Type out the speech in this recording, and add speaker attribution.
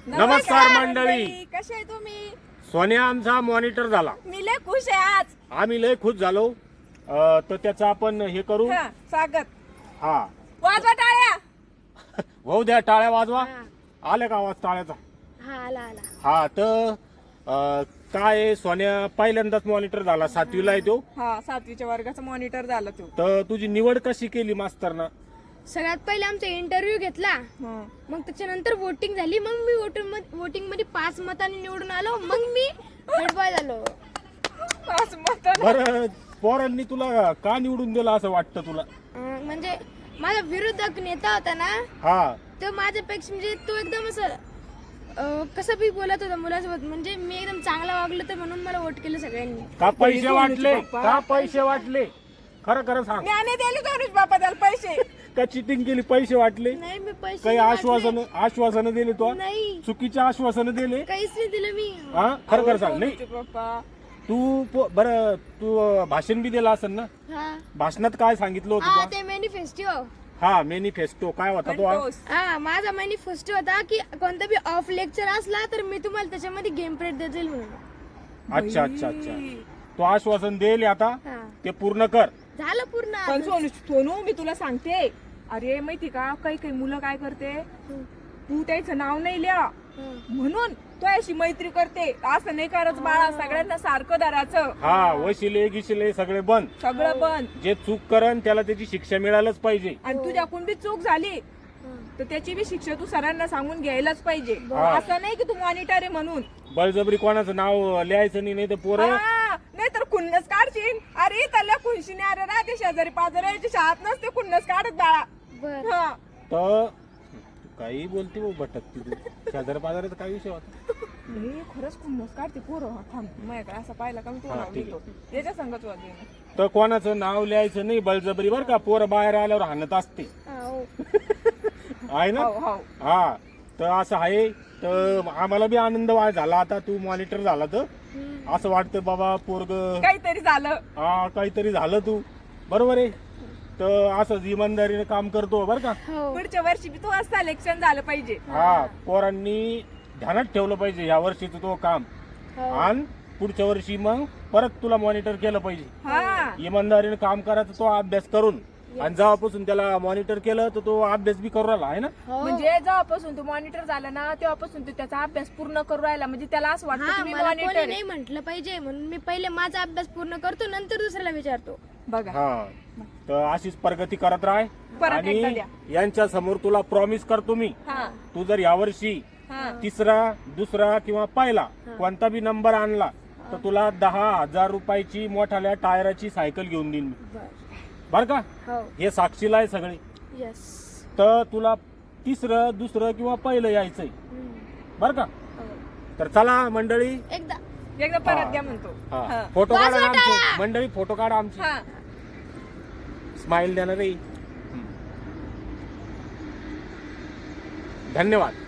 Speaker 1: नमस्कार मंडळी,
Speaker 2: कसे आहे तुम्ही?
Speaker 1: सोन्या आमचा मॉनिटर झाला.
Speaker 2: मी लय खुश आहे आज.
Speaker 1: आम्ही लय खुश झालो. तर त्याचं आपण हे करू.
Speaker 2: हा, स्वागत.
Speaker 1: हा,
Speaker 2: वाजवा टाळ्या.
Speaker 1: भाऊ द्या टाळ्या वाजवा. आले का आवाज टाळ्याचा?
Speaker 3: हा आला आला.
Speaker 1: हा, तर काय आहे, सोन्या पहिल्यांदाच मॉनिटर झाला. 7वीला आहे तो.
Speaker 2: हा, 7वीच्या वर्गाचा मॉनिटर झाला तू.
Speaker 1: तर तुझी निवड कशी केली मास्तरना?
Speaker 3: सगळ्यात पहिले आमचा इंटरव्ह्यू घेतला, मग त्याच्यानंतर वोटिंग झाली. मग मी वोटिंग मध्ये 5 मतांनी निवडून आलो. मग मी हेड बॉय झालो.
Speaker 1: बरं, पोरांनी तुला का निवडून दिला असं वाटतं तुला?
Speaker 3: म्हणजे माझा विरोधक नेता होता ना,
Speaker 1: हा,
Speaker 3: तो माझ्यापेक्षा म्हणजे तो एकदम असं कसं बी बोलत होता मुलासोबत. म्हणजे मी एकदम चांगला वागलो, तर म्हणून मला वोट केलं सगळ्यांनी.
Speaker 1: का पैसे वाटले? का पैसे वाटले? खरं खरं सांग.
Speaker 2: ज्ञाने दिले गणेश बापा त्याला पैसे.
Speaker 1: का चिटिंग केली? पैसे वाटले?
Speaker 3: नाही, मी पैसे
Speaker 1: काही
Speaker 3: नाही वाटले.
Speaker 1: आश्वासन दिले तो?
Speaker 3: नाही,
Speaker 1: चुकीचे आश्वासन दिले?
Speaker 3: काहीच नाही दिलं मी.
Speaker 1: हा, खरं खरं सांग. नाही,
Speaker 2: पप्पा
Speaker 1: बरं, तू भाषण बी दिलं असेल ना?
Speaker 3: हा
Speaker 1: भाषणात काय सांगितलं
Speaker 3: हा,
Speaker 1: होतं?
Speaker 3: ते मॅनिफेस्टो.
Speaker 1: हा, मॅनिफेस्टो काय होता तो?
Speaker 3: हा, माझा मॅनिफेस्टो होता की कोणता बी ऑफ लेक्चर असला तर मी तुम्हाला त्याच्यामध्ये गेम पिरियड देतील म्हणून.
Speaker 1: अच्छा अच्छा अच्छा, तो आश्वासन देईल आता,
Speaker 3: हा,
Speaker 1: ते पूर्ण कर.
Speaker 3: झालं पूर्ण.
Speaker 2: पण सोनू मी तुला सांगते, अरे माहिती का, काही काही मुलं काय करते, तू त्याचं नाव नाही लिहा म्हणून तो अशी मैत्री करते. असं नाही करत बाळा, सगळ्यांना सारखं धरायचं.
Speaker 1: हा, वशिले गिशिले सगळे बंद.
Speaker 2: सगळं बंद.
Speaker 1: जे चूक करन त्याला त्याची शिक्षा मिळायलाच पाहिजे.
Speaker 2: आणि तुझ्याकडून बी चूक झाली तर त्याची बी शिक्षा तू सरांना सांगून घ्यायलाच पाहिजे.
Speaker 1: हा.
Speaker 2: असं नाही की तू मॉनिटर आहे म्हणून
Speaker 1: बळजबरी कोणाचं नाव लिहायचं नाही तर पोरं.
Speaker 2: नाही तर खुन्नस काढशील. अरे त्याला खुनशीने अरे राहते शेजारी पाजाऱ्याची शाळात नसते खुन्नस काढत बाळा.
Speaker 3: बर.
Speaker 2: हा.
Speaker 1: तर काही बोलते भाऊ, भटकती तू. शेजारी पाजाराचा काय विषय होता?
Speaker 2: नाही, खरंच खुन्नस काढते पोरं. थांब, माझ्याकडे असं पाहिलं का मी तुला
Speaker 1: हा,
Speaker 2: नाव
Speaker 1: ठीक
Speaker 2: लिहितो. त्याच्या संगत वाजवे.
Speaker 1: तर कोणाचं नाव लिहायचं नाही बळजबरी, बरं का? पोरं बाहेर आल्यावर हाणत असते,
Speaker 3: हो.
Speaker 1: आहे ना?
Speaker 2: हो हो.
Speaker 1: हा, तर असं आहे. तर आम्हाला बी आनंद झाला आता तू मॉनिटर झाला तर. असं वाटतं बाबा पोरग
Speaker 2: काहीतरी झालं.
Speaker 1: हा, काहीतरी झालं तू. बरोबर आहे. तर असंच इमानदारीने काम करतो, बरं का?
Speaker 3: हो.
Speaker 2: पुढच्या वर्षी बी तू असं सिलेक्शन झालं पाहिजे.
Speaker 1: हा, पोरांनी ध्यानात ठेवलं पाहिजे या वर्षीचं तो काम.
Speaker 3: हो.
Speaker 1: आणि पुढच्या वर्षी मग परत तुला मॉनिटर केलं पाहिजे.
Speaker 2: हा.
Speaker 1: इमानदारीने काम करायचं, तो अभ्यास करून. आणि जेव्हापासून त्याला मॉनिटर केलं तर तो अभ्यास बी करू राहिला, आहे ना?
Speaker 3: हो.
Speaker 2: म्हणजे जेव्हापासून तू मॉनिटर झाला ना, तेव्हापासून तू त्याचा अभ्यास पूर्ण करू राहिला. म्हणजे त्याला असं वाटतं
Speaker 3: हा,
Speaker 2: की मी
Speaker 3: मला कोणी
Speaker 2: मॉनिटर
Speaker 3: नाही म्हटलं पाहिजे म्हणून मी पहिले माझा अभ्यास पूर्ण करतो, नंतर दुसऱ्याला विचारतो.
Speaker 2: बघा.
Speaker 1: हा, तर अशीच प्रगती करत राह.
Speaker 2: परत एकदा
Speaker 1: आणि
Speaker 2: द्या.
Speaker 1: यांच्या समोर तुला प्रॉमिस करतो मी,
Speaker 2: हा.
Speaker 1: तू जर यावर्षी
Speaker 2: हा.
Speaker 1: तिसरा, दुसरा किंवा पहिला कोणता बी नंबर आणला तर तुला 10,000 रुपयाची मोठाल्या टायराची सायकल घेऊन देईन मी, बर का?
Speaker 3: हो.
Speaker 1: हे साक्षीला आहे सगळे.
Speaker 3: यस.
Speaker 1: तर तुला तिसरं, दुसरं किंवा पहिलं यायचंय, बर का?
Speaker 3: हो.
Speaker 1: तर चला मंडळी,
Speaker 2: एकदा परत द्या म्हणतो. हा.
Speaker 1: फोटो काढा
Speaker 3: वाजवा
Speaker 1: आमचे.
Speaker 3: टाळ्या.
Speaker 1: मंडळी फोटो काढा आमची.
Speaker 2: हा.
Speaker 1: स्माइल देणार रे. धन्यवाद.